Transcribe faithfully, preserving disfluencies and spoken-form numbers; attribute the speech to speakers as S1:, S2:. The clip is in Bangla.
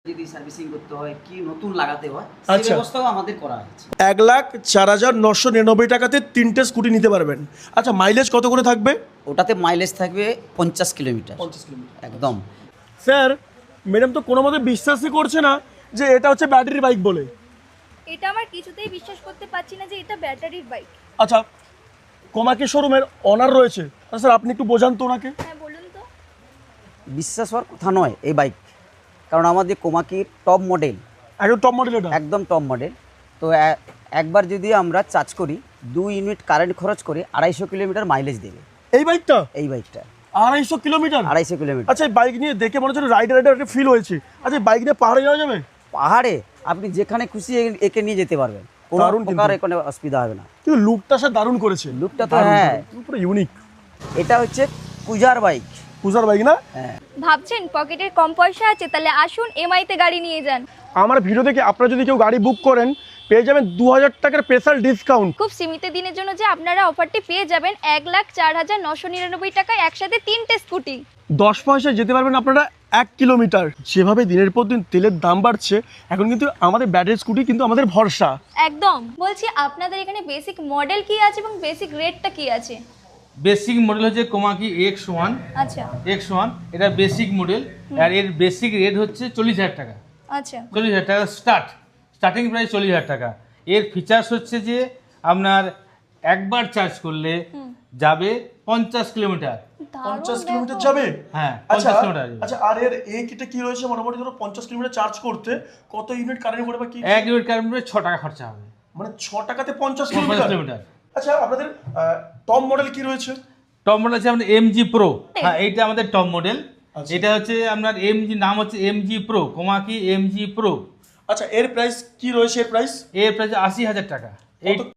S1: যদি সার্ভিসিং করতে হয় কি নতুন লাগাতে হয় সেই
S2: আচ্ছা।
S1: ব্যবস্থাও আমাদের করা আছে।
S2: এক লাখ চার হাজার নশো নিরানব্বই টাকাতে তিনটে স্কুটি নিতে পারবেন। আচ্ছা, মাইলেজ কত করে থাকবে?
S1: ওটাতে মাইলেজ থাকবে পঞ্চাশ কিলোমিটার
S2: পঞ্চাশ কিলোমিটার।
S1: একদম।
S2: স্যার, ম্যাডাম তো কোনো মতে বিশ্বাসই করছে না যে এটা হচ্ছে ব্যাটারি বাইক বলে।
S3: এটা আমার কিছুতেই বিশ্বাস করতে পারছি না যে এটা ব্যাটারির বাইক।
S2: আচ্ছা, কোমাকি শোরুমের অনার রয়েছে, আচ্ছা স্যার আপনি একটু বোঝান তো ওনাকে।
S3: হ্যাঁ বলুন তো।
S1: বিশ্বাস হওয়ার কথা নয় এই বাইক, কারণ আমাদের কোমাকির টপ মডেল,
S2: একদম টপ মডেল এটা।
S1: একদম টপ মডেল। তো এ- একবার যদি আমরা চার্জ করি দুই ইউনিট কারেন্ট খরচ করে আড়াইশো কিলোমিটার মাইলেজ দেবে
S2: এই বাইকটা
S1: এই বাইকটা।
S2: আড়াইশো কিলোমিটার।
S1: আড়াইশো কিলোমিটার।
S2: আচ্ছা, এই বাইক নিয়ে দেখে মনে হচ্ছে রাইডার রাইডার একটা ফিল হয়েছে। আচ্ছা, এই বাইক নিয়ে পাহাড়ে যাওয়া যাবে?
S1: পাহাড়ে আপনি যেখানে খুশি এ- একে নিয়ে যেতে পারবেন, কোনো
S2: দারুণ কিন্তু।
S1: প্রকার কোনো অসুবিধা হবে না।
S2: কিন্তু লুকটা স্যার দারুণ করেছে।
S1: লুকটা তো
S2: দারুণ,
S1: হ্যাঁ।
S2: দারুণ, পুরো ইউনিক।
S1: এটা হচ্ছে পূজার বাইক।
S2: পূজার বাইক না?
S1: হ্যাঁ।
S3: ভাবছেন পকেটের কম পয়সা আছে, তাহলে আসুন এমআইতে গাড়ি নিয়ে যান।
S2: আমার ভিডিও দেখে আপনারা যদি কেউ গাড়ি বুক করেন পেয়ে যাবেন দু হাজার টাকার স্পেশাল ডিসকাউন্ট।
S3: খুব সীমিত দিনের জন্য যে আপনারা অফারটি পেয়ে যাবেন এক লাখ চার হাজার নশো নিরানব্বই টাকায় একসাথে তিনটে স্কুটি।
S2: দশ পয়সায় যেতে পারবেন আপনারা এক কিলোমিটার। যেভাবে দিনের পর দিন তেলের দাম বাড়ছে, এখন কিন্তু আমাদের ব্যাটারি স্কুটি কিন্তু আমাদের ভরসা।
S3: একদম। বলছি আপনাদের এখানে বেসিক মডেল কি আছে এবং বেসিক রেটটা কি আছে?
S4: বেসিক মডেল হচ্ছে কোমাকি এক্স ওয়ান।
S3: আচ্ছা
S4: এক্স ওয়ান এটা বেসিক মডেল, আর এর বেসিক রেট হচ্ছে চল্লিশ হাজার টাকা।
S3: আচ্ছা
S4: চল্লিশ হাজার টাকা স্টার্ট, স্টার্টিং প্রাইস চল্লিশ হাজার টাকা। এর ফিচার্স হচ্ছে যে আপনার একবার চার্জ করলে যাবে পঞ্চাশ কিলোমিটার।
S2: পঞ্চাশ কিলোমিটার যাবে?
S4: হ্যাঁ,
S2: আচ্ছা
S4: পঞ্চাশ কিলোমিটার যাবে।
S2: আচ্ছা, আর এর এই কিটে কি রয়েছে? মোটামুটি ধরো পঞ্চাশ কিলোমিটার চার্জ করতে কত ইউনিট কারেন্ট পড়ে বা কি?
S4: এক ইউনিট কারেন্টে ছ টাকা খরচা হবে,
S2: মানে ছ টাকাতে পঞ্চাশ
S4: পঞ্চাশ
S2: কিলোমিটার।
S4: কিলোমিটার।
S2: আচ্ছা, আপনাদের টপ মডেল কি রয়েছে?
S4: টপ মডেল আছে আমাদের এমজি প্রো। হ্যাঁ, এইটা আমাদের টপ মডেল।
S2: আচ্ছা।
S4: এটা হচ্ছে আপনার এমজি, নাম হচ্ছে MG pro, Komaki MG pro.
S2: আচ্ছা, এর প্রাইস কি রয়েছে? এর প্রাইস
S4: এর প্রাইস আশি হাজার টাকা। এই
S2: কত-